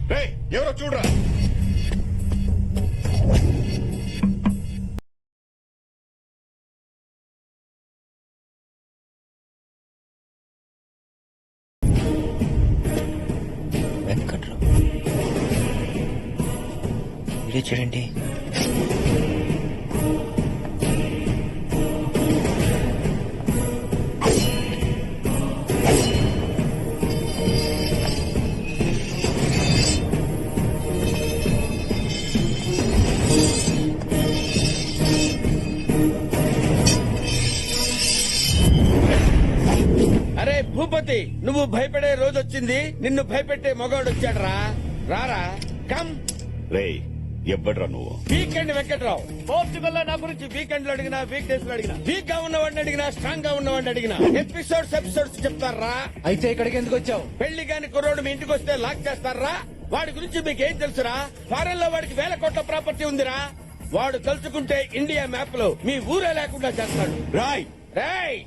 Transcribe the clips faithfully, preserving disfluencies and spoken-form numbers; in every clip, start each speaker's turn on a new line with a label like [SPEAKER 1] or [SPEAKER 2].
[SPEAKER 1] రేయ్, ఎవరో చూడరా.
[SPEAKER 2] వెంకట్రావు వీడియో చూడండి.
[SPEAKER 3] అరే భూపతి, నువ్వు భయపడే రోజు వచ్చింది. నిన్ను భయపెట్టే మగవాడు వచ్చాడు రా. రారా, కమ్.
[SPEAKER 1] రేయ్, ఎవ్వడ్రా నువ్వు?
[SPEAKER 3] వీకెండ్ వెంకట్రావు. పోర్చుగల్ లో నా గురించి వీకెండ్ లో అడిగినా, వీక్ డేస్ లో అడిగినా, వీక్ గా ఉన్నవాడిని అడిగినా, స్ట్రాంగ్ గా ఉన్నవాడిని అడిగినా ఎపిసోడ్స్ ఎపిసోడ్స్ చెప్తారా.
[SPEAKER 4] అయితే ఇక్కడికి ఎందుకు వచ్చావు?
[SPEAKER 3] పెళ్లి కాని కుర్రోడు మీ ఇంటికి వస్తే లాక్ చేస్తారా? వాడి గురించి మీకు ఏం తెలుసురా? ఫారెన్ లో వాడికి వేల కోట్ల ప్రాపర్టీ ఉందిరా. వాడు తలుచుకుంటే ఇండియా మ్యాప్ లో మీ ఊరే లేకుండా చేస్తాడు.
[SPEAKER 1] రాయ్
[SPEAKER 3] రేయ్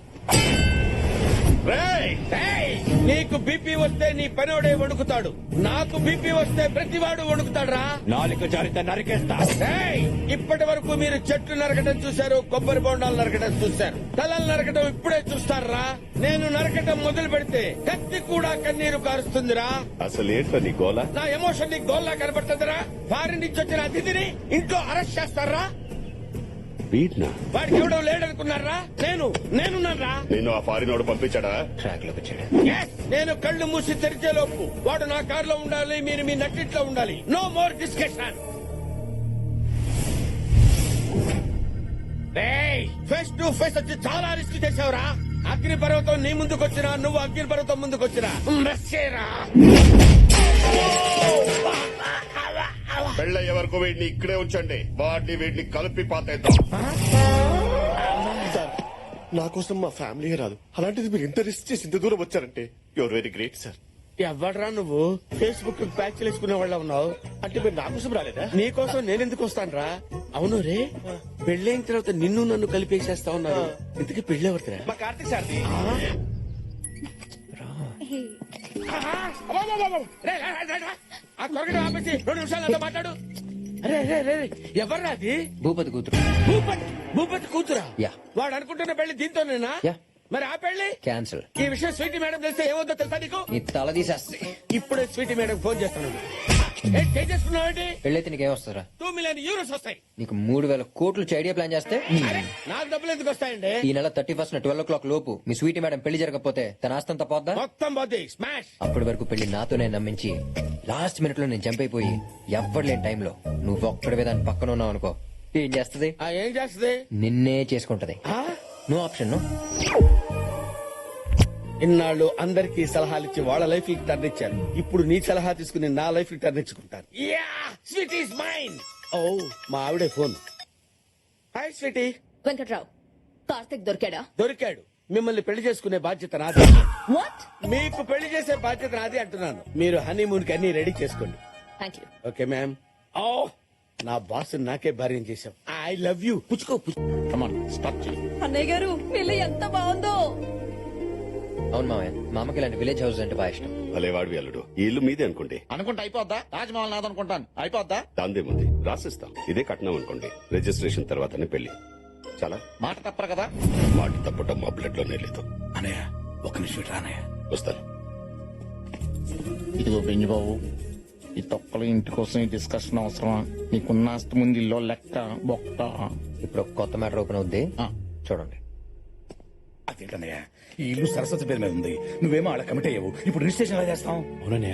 [SPEAKER 1] రేయ్
[SPEAKER 3] రేయ్, నీకు బీపీ వస్తే నీ పనోడే వణుకుతాడు. నాకు బీపీ వస్తే ప్రతివాడు వణుకుతాడురా.
[SPEAKER 1] నాలుక జారిత నరికేస్తా.
[SPEAKER 3] రేయ్, ఇప్పటి వరకు మీరు చెట్లు నరకటం చూశారు, కొబ్బరి బొండాలు నరకటం చూశారు. తలలు నరకటం ఇప్పుడే చూస్తారా? నేను నరకటం మొదలు పెడితే కత్తి కూడా కన్నీరు కారుస్తుందిరా.
[SPEAKER 1] అసలు ఏంట్రా నీ గోల?
[SPEAKER 3] నా ఎమోషన్ నీకు గోల్లా కనబడుతుందిరా. ఫారిన్ నుంచి వచ్చిన అతిథిని ఇంట్లో అరెస్ట్ చేస్తారా?
[SPEAKER 1] వీడ్నా?
[SPEAKER 3] వాడికి ఎవడో లేడనుకున్నారా? నేను నేనున్నారా?
[SPEAKER 1] నిన్ను ఆ ఫారినోడు పంపించాడా?
[SPEAKER 2] ట్రాక్ లోకి వచ్చాడు.
[SPEAKER 3] Yes, నేను కళ్ళు మూసి తెరిచే లోపు వాడు నా కారులో ఉండాలి, మీరు మీ నట్టిట్లో ఉండాలి. No more discussion. Face to face వచ్చి చాలా రిస్క్ చేసావురా. అగ్ని పర్వతం నీ ముందుకు వచ్చినా, నువ్వు అగ్ని పర్వతం ముందుకు వచ్చినా రస్సేరా.
[SPEAKER 1] పెళ్ళయ్యే వరకు వీడిని ఇక్కడే ఉంచండి. వాడిని వీడిని కలిపి పాతేద్దాం.
[SPEAKER 5] సార్, నా కోసం మా ఫ్యామిలీ రాదు, అలాంటిది మీరు ఇంత రిస్క్ చేసి ఇంత దూరం వచ్చారంటే యువర్ వెరీ గ్రేట్ సార్.
[SPEAKER 3] ఎవడరా నువ్వు? ఫేస్బుక్ ప్యాచ్ వేసుకునే వాళ్ళ ఉన్నావు.
[SPEAKER 5] అంటే మీరు నా కోసం రాలేదా?
[SPEAKER 3] నీకోసం నేనెందుకు వస్తాను రా? అవును రే, పెళ్ళైన తర్వాత నిన్ను నన్ను కలిపేసేస్తా ఉన్నారు. ఇంతకీ పెళ్ళెవరిదిరా?
[SPEAKER 5] మా కార్తీక్ సార్.
[SPEAKER 3] ఆ కొరగడం ఆపేసి రెండు నిమిషాలు అంతా మాట్లాడు. అరే రే రే, ఎవర్రా అది?
[SPEAKER 2] భూపతి కూతురు.
[SPEAKER 3] భూపతి భూపతి కూతురా?
[SPEAKER 2] యా.
[SPEAKER 3] వాడు అనుకుంటున్న పెళ్లి దీంతోనేనా?
[SPEAKER 2] యా.
[SPEAKER 3] మరి ఆ పెళ్లి
[SPEAKER 2] క్యాన్సిల్.
[SPEAKER 3] ఈ విషయం స్వీటీ మేడం తెలిస్తే ఏమవుతుందో తెలుసా నీకు?
[SPEAKER 2] నీ తల తీసేస్తే.
[SPEAKER 3] ఇప్పుడే స్వీటీ మేడం ఫోన్ చేస్తున్నాడు. చేసుకున్నావండి?
[SPEAKER 2] పెళ్ళైతే నీకేం వస్తారా?
[SPEAKER 3] టూ మిలియన్ యూరోస్ వస్తాయి.
[SPEAKER 2] నీకు మూడు వేల కోట్లు ఐడియా ప్లాన్ చేస్తే
[SPEAKER 3] అరే, నాకు డబ్బులు ఎందుకు వస్తాయండి?
[SPEAKER 2] ఈ నెల thirty first twelve o'clock లోపు మీ స్వీటీ మేడం పెళ్లి జరగకపోతే తన ఆస్తంతా పోద్దా?
[SPEAKER 3] మొత్తం పోతే స్మాష్.
[SPEAKER 2] అప్పటి వరకు పెళ్లి నాతోనే నమ్మించి లాస్ట్ మినిట్ లో నేను జంప్ అయిపోయి ఎవ్వరు లేని టైంలో నువ్వు ఒక్కడివే దాని పక్కన ఉన్నావు అనుకో, ఏం చేస్తది?
[SPEAKER 3] ఆ, ఏం చేస్తుంది?
[SPEAKER 2] నిన్నే చేసుకుంటది.
[SPEAKER 3] ఆ?
[SPEAKER 2] No option. నో.
[SPEAKER 3] ఇన్నాళ్ళు అందరికీ సలహాలు ఇచ్చి వాళ్ళ లైఫ్ కి టర్న్ ఇచ్చారు. ఇప్పుడు నీ సలహా తీసుకుని నా లైఫ్ కి టర్న్ ఇచ్చుకుంటాను. Sweet is mine. ఓ, మా ఆవిడే ఫోన్. Hi sweetie.
[SPEAKER 6] వెంకట్రావు, కార్తిక్ దొరికాడా?
[SPEAKER 3] దొరికాడు. మిమ్మల్ని పెళ్లి చేసుకునే బాధ్యత నాది.
[SPEAKER 6] వాట్?
[SPEAKER 3] మీకు పెళ్లి చేసే బాధ్యత నాది అంటున్నాను. మీరు హనీమూన్ కి అన్ని రెడీ చేసుకోండి.
[SPEAKER 6] Thank you.
[SPEAKER 3] Okay ma'am. ఓ, నా బాస్ నాకే భార్యం చేశాం. I love you. పుచ్చుకో పుచ్చుకో.
[SPEAKER 6] అన్నయ్య గారు, ఇల్లు ఎంత బాగుందో.
[SPEAKER 2] అవును మామయ్య, మా అమ్మకి ఇలాంటి విలేజ్ హౌస్ అంటే బాగా ఇష్టం.
[SPEAKER 1] భలే వాడివి అల్లుడు. ఈ ఇల్లు మీదే అనుకోండి.
[SPEAKER 7] అనుకుంటే అయిపోద్దా? తాజ్మహల్ నాదనుకుంటాను. అయిపోద్దా?
[SPEAKER 1] దాందేముంది, రాసిస్తాం. ఇదే కట్నం అనుకోండి. రిజిస్ట్రేషన్ తర్వాతనే పెళ్లి. చాలా
[SPEAKER 7] మాట తప్పరు కదా?
[SPEAKER 1] మాట తప్పటం మా బ్లడ్ లోనే లేదు.
[SPEAKER 7] అనయ్య, ఒక నిమిషం రానయ్య.
[SPEAKER 1] వస్తాను.
[SPEAKER 7] ఇదిగో బెంజిబాబు, ఈ తొక్కల ఇంటి కోసం ఈ డిస్కషన్ అవసరమా? నీకున్న ఆస్తి ముందు ఇల్లు లెక్క బొక్క.
[SPEAKER 2] ఇప్పుడు ఒక కొత్త మ్యాటర్ ఓపెన్ అవుద్ది,
[SPEAKER 7] ఆ.
[SPEAKER 2] చూడండి.
[SPEAKER 7] అదేంటన్నయ్య, ఈ ఇల్లు సరస్వతి పేరు మీద ఉంది. నువ్వేమో అలా కమిట్ అయ్యావు. ఇప్పుడు రిజిస్ట్రేషన్ ఎలా చేస్తాం?
[SPEAKER 3] అవునన్నయ్య.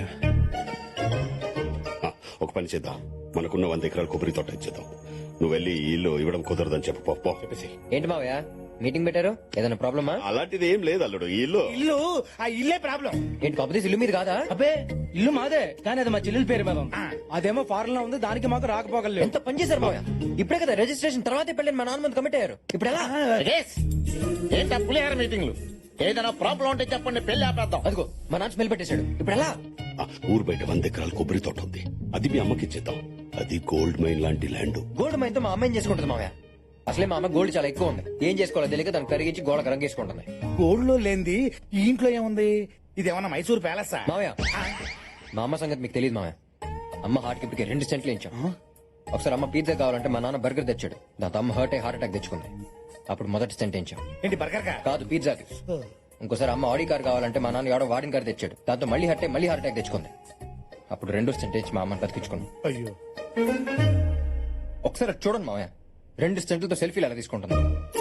[SPEAKER 1] ఆ, ఒక పని చేద్దాం. మనకున్న వంద ఎకరాల కొబ్బరి తోట ఇచ్చేద్దాం. నువ్వు వెళ్ళి ఈ ఇల్లు ఇవ్వడం కుదరదని చెప్పు. పో, పో. చెప్పేసి.
[SPEAKER 2] ఏంటి మావయ్య మీటింగ్ పెట్టారు? ఏదైనా ప్రాబ్లమా?
[SPEAKER 1] అలాంటిది ఏం లేదు అల్లుడు. ఈ ఇల్లు
[SPEAKER 4] ఇల్లు ఆ ఇల్లే ప్రాబ్లం.
[SPEAKER 2] ఏంటి కాంపిటీస్ ఇల్లు మీద కాదా?
[SPEAKER 4] అబ్బే, ఇల్లు మాదే, కానీ అది మా చెల్లెల పేరు మీద ఉంది. అదేమో ఫారెన్ లో ఉంది, దానికి మాకు రాకపోగలేదు.
[SPEAKER 2] ఎంత పని చేశారు మావయ్య. ఇప్పుడే కదా రిజిస్ట్రేషన్ తర్వాతే పెళ్ళని మా నాన్న ముందు కమిట్ అయ్యారు. ఇప్పుడు ఎలా?
[SPEAKER 7] ఏంటా పులిహార మీటింగ్లు? ఏదైనా ప్రాబ్లం ఉంటే చెప్పండి, పెళ్లి ఆపేద్దాం.
[SPEAKER 2] అదిగో మా నాన్న స్మెల్ పెట్టేశాడు. ఇప్పుడు ఎలా?
[SPEAKER 1] ఆ, ఊరు బయట వంద ఎకరాల కొబ్బరి తోట ఉంది. అది మీ అమ్మకి ఇచ్చేద్దాం. అది గోల్డ్ మైన్ లాంటి ల్యాండ్.
[SPEAKER 2] గోల్డ్ మైన్తో మా అమ్మాయిని చేసుకుంటుంది మావయ్య. అసలే మా అమ్మ గోల్డ్ చాలా ఎక్కువ ఉంది. ఏం చేసుకోవాలో తెలియక దాన్ని కరిగించి గోడకు రంగేసుకుంటుంది.
[SPEAKER 7] గోల్డ్ లో లేనిది ఈ ఇంట్లో ఏముంది? ఇదేమన్నా మైసూర్ ప్యాలెస్?
[SPEAKER 2] మావయ్య, మా అమ్మ సంగతి మీకు తెలియదు మావయ్య. అమ్మ హార్ట్ కి ఇప్పటికే రెండు సెంట్లు ఇచ్చాం. ఒకసారి అమ్మ పిజ్జా కావాలంటే మా నాన్న బర్గర్ తెచ్చాడు. దాంతో అమ్మ హర్ట్ అయ్యి హార్ట్ అటాక్ తెచ్చుకుంది. అప్పుడు మొదటి సెంట్ ఇచ్చాం.
[SPEAKER 3] ఏంటి బర్గర్ కా?
[SPEAKER 2] కాదు, పిజ్జాకి. ఇంకోసారి అమ్మ ఆడి కార్ కావాలంటే మా నాన్న ఎవడో వాడిన కార్ తెచ్చాడు. దాంతో మళ్ళీ హర్ట్ అయ్యి మళ్ళీ హార్ట్ అటాక్ తెచ్చుకుంది. అప్పుడు రెండో సెంట్ ఇచ్చి మా అమ్మని బతికించుకున్నాం.
[SPEAKER 3] అయ్యో,
[SPEAKER 2] ఒకసారి అది చూడండి మామయ్య, రెండు సెంట్లతో సెల్ఫీలు ఎలా తీసుకుంటుంది.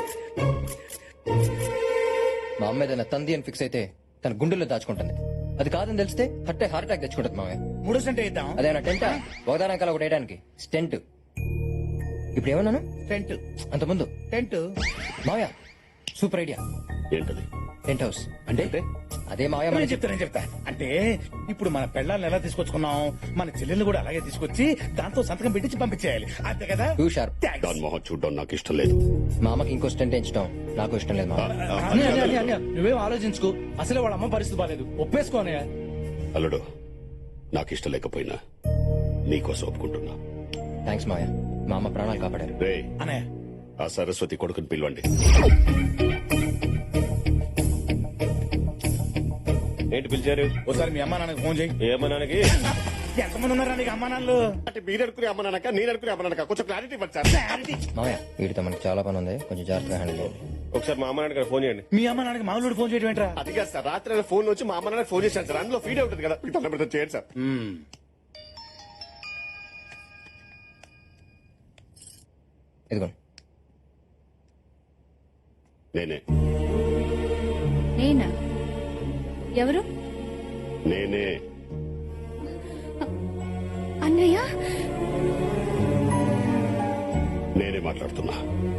[SPEAKER 2] మా అమ్మ ఏదైనా తంది అని ఫిక్స్ అయితే తన గుండెల్లో దాచుకుంటుంది. అది కాదని తెలిస్తే హట్టే హార్ట్ అటాక్ తెచ్చుకుంటుంది మామయ్య.
[SPEAKER 3] మూడో సెంట్ ఇద్దాం.
[SPEAKER 2] అదేనా టెంటా ఒకదానకాల ఒకటి వేయడానికి స్టెంట్. ఇప్పుడు ఏమన్నాను?
[SPEAKER 3] టెంట్
[SPEAKER 2] అంత ముందు
[SPEAKER 3] టెంట్
[SPEAKER 2] మామయ్య సూపర్ ఐడియా.
[SPEAKER 1] ఏంటది?
[SPEAKER 2] టెంట్ హౌస్ అంటే అదే మామయ్య
[SPEAKER 3] నేను
[SPEAKER 2] మన
[SPEAKER 3] చెప్తా నేను చెప్తా అంటే ఇప్పుడు మన పెళ్ళాలను ఎలా తీసుకొచ్చుకున్నాం, మన చెల్లెల్ని కూడా అలాగే తీసుకొచ్చి దాంతో సంతకం పెట్టించి పంపించేయాలి, అంతే కదా?
[SPEAKER 2] Two sharp.
[SPEAKER 3] Thanks.
[SPEAKER 1] దాని మొహం చూడడం నాకు ఇష్టం లేదు.
[SPEAKER 2] మా అమ్మకి ఇంకో స్టెంట్ ఎంచడం నాకు ఇష్టం లేదు మామయ్య.
[SPEAKER 1] ఆ, అది
[SPEAKER 4] అన్నయ్య,
[SPEAKER 1] కాదు.
[SPEAKER 4] అన్నయ్య, అన్నయ్య, నువ్వేం ఆలోచించుకో. అసలే వాళ్ళ అమ్మ పరిస్థితి బాలేదు. ఒప్పేసుకోనయ్య.
[SPEAKER 1] అల్లుడు, నాకు ఇష్టం లేకపోయినా నీకోసం ఒప్పుకుంటున్నా.
[SPEAKER 2] థ్యాంక్స్ మామయ్య, మా అమ్మ ప్రాణాలు కాపాడారు.
[SPEAKER 1] రే,
[SPEAKER 3] అనే
[SPEAKER 1] ఆ సరస్వతి కొడుకుని పిలవండి.
[SPEAKER 5] ఏంటి పిలిచారు?
[SPEAKER 3] ఒకసారి మీ అమ్మా నాన్నకి ఫోన్ చేయి.
[SPEAKER 5] ఏమన్నానికి?
[SPEAKER 3] ఎంతమంది ఉన్నారా నీకు అమ్మా నాన్నలు?
[SPEAKER 5] అంటే మీరు అనుకునే అమ్మనాక నేను అనుకునే అమ్మనాక కొంచెం క్లారిటీ ఇవ్వండి సార్.
[SPEAKER 2] మామయ్య వీడితో మనకి చాలా పని ఉంది, కొంచెం జాగ్రత్తగా హ్యాండిల్ చేయండి.
[SPEAKER 5] ఒకసారి మా అమ్మ నాన్నకి ఫోన్ చేయండి.
[SPEAKER 3] మీ అమ్మ నాన్నకి మామూలు ఫోన్ చేయడం ఏంట్రా?
[SPEAKER 5] అది కాదు సార్, రాత్రి ఆయన ఫోన్ వచ్చి మా అమ్మ నాన్నకి ఫోన్ చేశాను సార్. అందులో ఫీడ్ ఉంటుంది కదా, మీకు తొందర చేయండి సార్.
[SPEAKER 2] ఇదిగోండి.
[SPEAKER 1] నేనే
[SPEAKER 6] నేనా? ఎవరు?
[SPEAKER 1] నేనే
[SPEAKER 6] అన్నయ్య?
[SPEAKER 1] నేనే మాట్లాడుతున్నా.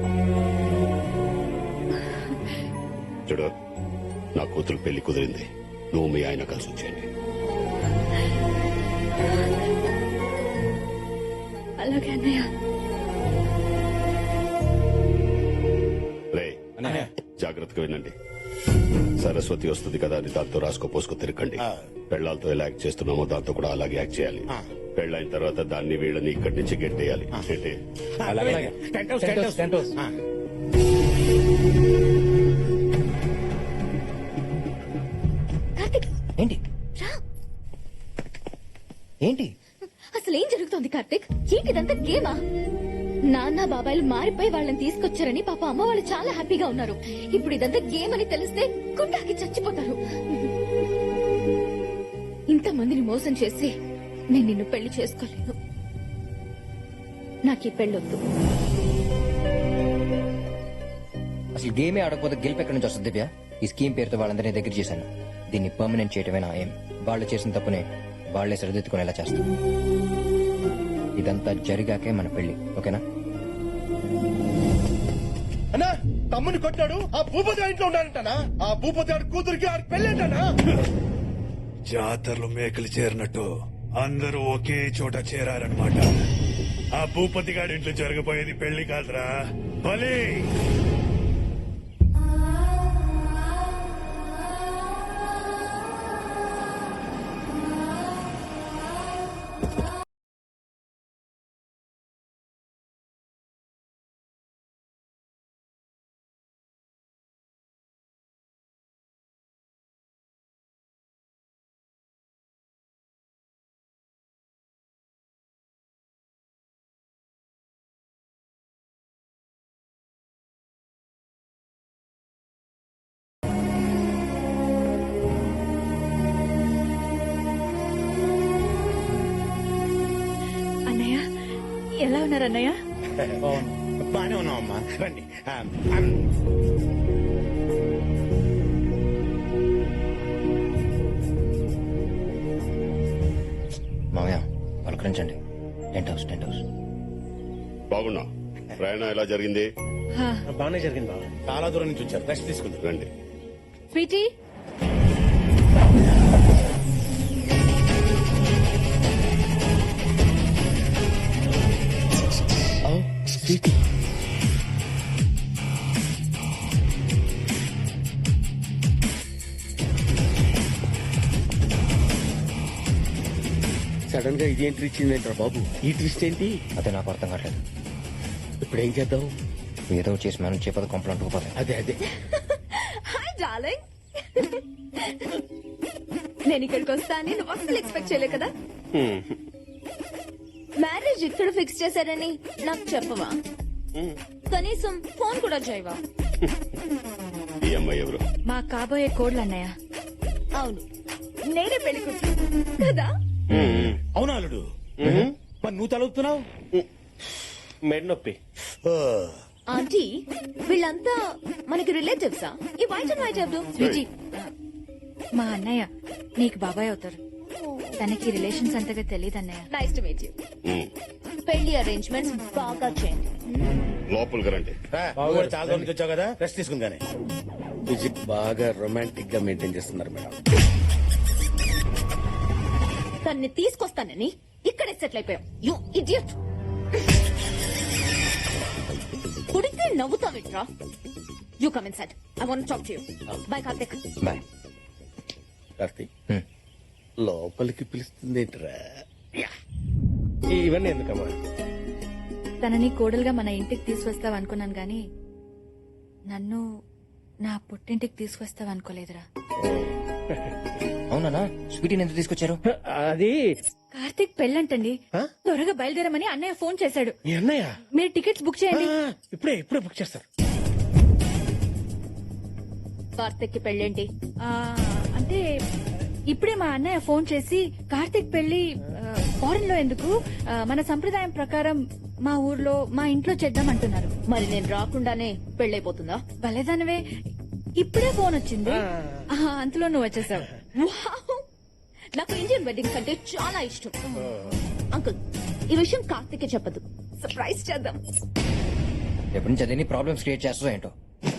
[SPEAKER 1] చూడు, నా కూతురు పెళ్లి కుదిరింది. నువ్వు మీ ఆయన కలిసి వచ్చేయండి.
[SPEAKER 6] అలాగే అన్నయ్య.
[SPEAKER 1] రే, జాగ్రత్తగా వినండి. సరస్వతి వస్తుంది కదా అని దాంతో రాసుకో పోసుకో తిరగండి. పెళ్లాలతో ఎలా యాక్ట్ చేస్తున్నామో దాంతో కూడా అలాగే యాక్ట్ చేయాలి. పెళ్ళైన తర్వాత దాన్ని వీళ్ళని ఇక్కడి నుంచి గెట్టేయాలి. గెట్టే
[SPEAKER 3] అలాగే tent house tent house
[SPEAKER 4] tent house.
[SPEAKER 3] ఆ.
[SPEAKER 6] కార్తిక్
[SPEAKER 2] ఏంటి
[SPEAKER 6] రా.
[SPEAKER 2] ఏంటి
[SPEAKER 6] అసలు ఏం జరుగుతోంది కార్తిక్? ఏంటిదంతా గేమా? నాన్న బాబాయిలు మారిపోయి వాళ్ళని తీసుకొచ్చారని పాప అమ్మ వాళ్ళు చాలా హ్యాపీగా ఉన్నారు. ఇప్పుడు ఇదంతా గేమ్ అని తెలిస్తే గుండాకి చచ్చిపోతారు. ఇంతమందిని మోసం చేసి నేను నిన్ను పెళ్లి చేసుకోలేను. నాకు ఈ పెళ్ళొద్దు.
[SPEAKER 2] అసలు గేమే ఆడకపోతే గెలుపు ఎక్కడి నుంచి వస్తుంది దివ్య? ఈ స్కీమ్ పేరుతో వాళ్ళందరినీ దగ్గర చేశాను. దీన్ని పర్మనెంట్ చేయటమే నా ఏం. వాళ్ళు చేసిన తప్పునే వాళ్లే సరిదిద్దుకునేలా చేస్తాం. ఇదంతా జరిగాకే మన పెళ్లి, ఓకేనా?
[SPEAKER 5] అన్నా, తమ్ముని కొట్టాడు. ఆ భూపతి ఆ ఇంట్లో ఉన్నాడంటనా? ఆ భూపతి ఆడి కూతురికి ఆడి పెళ్ళేంటనా?
[SPEAKER 8] జాతరలో మేకలు చేరినట్టు అందరూ ఒకే చోట చేరారనమాట. ఆ భూపతి గారి ఇంట్లో జరగబోయేది పెళ్లి కాదురా, బలి.
[SPEAKER 6] అన్నయ్య ఎలా ఉన్నారు అన్నయ్య?
[SPEAKER 3] బానే ఉన్నావమ్మా, రండి. ఆ, ఆ.
[SPEAKER 2] మామయ్య పలకరించండి. Tent house tent house.
[SPEAKER 1] బాగున్నా? ప్రయాణం ఎలా జరిగింది?
[SPEAKER 3] బాగానే జరిగింది బాబు. చాలా దూరం నుంచి వచ్చారు, రెస్ట్ తీసుకుంటారు.
[SPEAKER 1] రండి.
[SPEAKER 6] స్వీటీ,
[SPEAKER 3] సడన్ గా ఇదేంటి ఇచ్చిందేంట్రా బాబు? ఈ ట్విస్ట్ ఏంటి?
[SPEAKER 2] అదే నాకు అర్థం కావట్లేదు.
[SPEAKER 3] ఇప్పుడు ఏం చేద్దాం?
[SPEAKER 2] ఏదో చేసి మనం చేపద కొంపలు అంటుకుపోతాయి.
[SPEAKER 3] అదే అదే
[SPEAKER 6] హాయ్ డార్లింగ్. నేను ఇక్కడికి వస్తా అని నువ్వు అసలు ఎక్స్పెక్ట్ చేయలే కదా? మ్యారేజ్ ఇక్కడ ఫిక్స్ చేశారని నాకు చెప్పవా? కనీసం ఫోన్ కూడా చేయవా?
[SPEAKER 1] ఈ అమ్మాయి ఎవరు?
[SPEAKER 9] మా కాబోయే కోడ్లు అన్నయ్య.
[SPEAKER 6] అవును, నేనే పెళ్లి కూతురు కదా.
[SPEAKER 3] అవునా అల్లుడు? మరి నువ్వు తలుపుతున్నావు?
[SPEAKER 5] మెడ్ నొప్పి.
[SPEAKER 6] ఆంటీ, వీళ్ళంతా మనకి రిలేటివ్సా? ఈ వైట్ అండ్ వైట్ ఎవరు?
[SPEAKER 9] స్వీటీ, మా అన్నయ్య నీకు బాబాయ్ అవుతారు. తనకి రిలేషన్స్ అంతగా తెలియదు అన్నయ్య.
[SPEAKER 6] Nice to meet you.
[SPEAKER 1] Um,
[SPEAKER 6] పెళ్లి అరేంజ్మెంట్స్ బాగా చేయండి.
[SPEAKER 1] లోపలికి రండి.
[SPEAKER 3] బావగారు చాలా రోజుల నుంచి వచ్చావు కదా, రెస్ట్ తీసుకుని కానీ. మ్యూజిక్ బాగా రొమాంటిక్ గా మెయింటైన్ చేస్తున్నారు మేడం.
[SPEAKER 6] తన్ని తీసుకొస్తానని ఇక్కడే సెటిల్ అయిపోయాం. You idiot. కుడితే నవ్వుతావిట్రా. You come inside. I want talk to you. Bye Karthik.
[SPEAKER 2] Bye.
[SPEAKER 3] Karthik,
[SPEAKER 2] హ్మ్.
[SPEAKER 3] లోపలికి పిలుస్తుంది ఏంట్రా? ఇవన్నీ ఎందుకమ్మా?
[SPEAKER 9] తనని కోడలుగా మన ఇంటికి తీసుకొస్తావు అనుకున్నాను గాని నన్ను నా పుట్టింటికి తీసుకొస్తావు అనుకోలేదురా.
[SPEAKER 2] అవునా? స్వీటీని ఎందుకు తీసుకొచ్చారు?
[SPEAKER 3] అది
[SPEAKER 9] కార్తీక్ పెళ్ళంటండి. త్వరగా బయలుదేరమని అన్నయ్య ఫోన్ చేశాడు.
[SPEAKER 3] మీ అన్నయ్య
[SPEAKER 9] మీరు టికెట్స్ బుక్ చేయండి.
[SPEAKER 3] ఆ, ఇప్పుడే ఇప్పుడే బుక్ చేస్తారు.
[SPEAKER 6] కార్తిక్ కి పెళ్ళేంటి?
[SPEAKER 9] ఆ, అంటే ఇప్పుడే మా అన్నయ్య ఫోన్ చేసి కార్తీక్ పెళ్లి ఫారెన్ లో ఎందుకు, ఆ, మన సంప్రదాయం ప్రకారం మా ఊర్లో మా ఇంట్లో చేద్దాం అంటున్నారు.
[SPEAKER 6] మరి నేను రాకుండానే పెళ్ళైపోతుందా?
[SPEAKER 9] భలేదానవే, ఇప్పుడే ఫోన్ వచ్చింది. ఆ, అంతలో నువ్వు వచ్చేసావు.
[SPEAKER 6] వావ్! నాకు ఇండియన్ వెడ్డింగ్స్ అంటే చాలా ఇష్టం. అంకుల్, ఈ విషయం కార్తిక్ చెప్పదు. సర్ప్రైజ్ చేద్దాం.
[SPEAKER 2] ఎప్పటి నుంచి అదేని ప్రాబ్లమ్స్ క్రియేట్ చేస్తావు ఏంటో.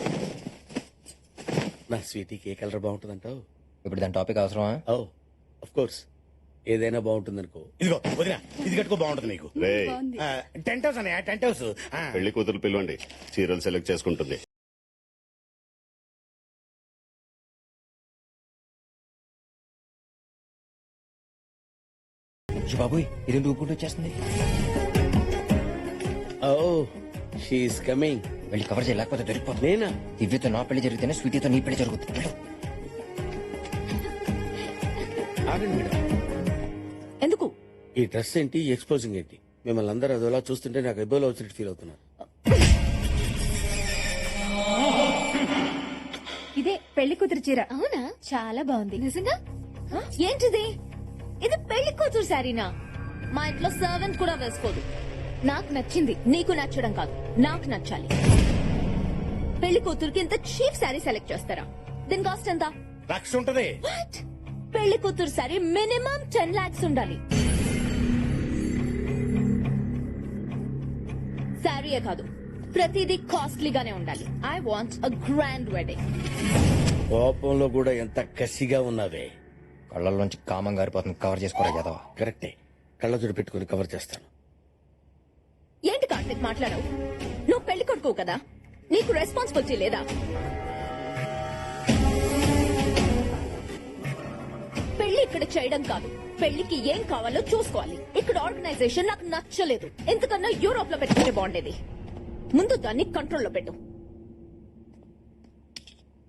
[SPEAKER 3] నా స్వీటీకి ఏ కలర్ బాగుంటుందంటావు?
[SPEAKER 2] ఇప్పుడు దాని టాపిక్ అవసరమా?
[SPEAKER 3] ఓ ఆఫ్ కోర్స్, ఏదైనా బాగుంటుంది అనుకో. ఇదిగో వదినా, ఇది కట్టుకో, బాగుంటుంది నీకు.
[SPEAKER 1] రే,
[SPEAKER 3] టెంట్ హౌస్ అన్నయ్య, టెంట్ హౌస్.
[SPEAKER 1] పెళ్లి కూతురు పిలవండి. చీరలు సెలెక్ట్ చేసుకుంటుంది.
[SPEAKER 2] బాబోయ్, ఇది ఊపుకుంటూ వచ్చేస్తుంది.
[SPEAKER 3] Oh she's coming.
[SPEAKER 2] వెళ్ళి కవర్ చేయలేకపోతే దొరికిపోతుంది.
[SPEAKER 3] నేనా?
[SPEAKER 2] దివ్యతో నా పెళ్లి జరిగితేనే స్వీటీతో నీ పెళ్లి జరుగుతుంది. వెళ్ళు.
[SPEAKER 3] ఆగండి మేడం.
[SPEAKER 6] ఎందుకు?
[SPEAKER 3] ఈ డ్రెస్ ఏంటి, ఈ ఎక్స్పోజింగ్ ఏంటి? మిమ్మల్ని అందరూ అదోలా చూస్తుంటే నాకు ఎబ్బోలో వచ్చినట్టు ఫీల్ అవుతున్నాను.
[SPEAKER 9] ఇదే పెళ్లి కూతురు చీర.
[SPEAKER 6] అవునా?
[SPEAKER 9] చాలా బాగుంది.
[SPEAKER 6] నిజంగా? ఏంటిది? ఇది పెళ్లి కూతురు శారీనా? మా ఇంట్లో సర్వెంట్ కూడా వేసుకోదు. నాకు నచ్చింది, నీకు నచ్చడం కాదు, నాకు నచ్చాలి. పెళ్లి కూతురుకి ఇంత చీప్ శారీ సెలెక్ట్ చేస్తారా? దీని కాస్ట్ ఎంత?
[SPEAKER 3] లక్ష ఉంటది.
[SPEAKER 6] వాట్? పెళ్లి కూతురు శారీ మినిమం టెన్ లాక్స్ ఉండాలి. శారీయే కాదు, ప్రతిదీ కాస్ట్లీగానే ఉండాలి. I want a grand wedding.
[SPEAKER 3] కోపంలో కూడా ఎంత కసిగా ఉన్నావే.
[SPEAKER 2] కళ్ళల్లోంచి కామం గారిపోతుంది. కవర్ చేసుకోరా యాదవ.
[SPEAKER 3] కరెక్టే, కళ్ళజోడు పెట్టుకుని కవర్ చేస్తాను.
[SPEAKER 6] ఏంటి కార్తిక్ మాట్లాడవు? నువ్వు పెళ్లి కొడుకు కదా, నీకు రెస్పాన్సిబిలిటీ లేదా? పెళ్లి ఇక్కడ చేయడం కాదు, పెళ్లికి ఏం కావాలో చూసుకోవాలి. ఇక్కడ ఆర్గనైజేషన్ నాకు నచ్చలేదు. ఎందుకన్నా యూరోప్ లో పెట్టుకుంటే బాగుండేది. ముందు దాన్ని కంట్రోల్లో పెట్టు.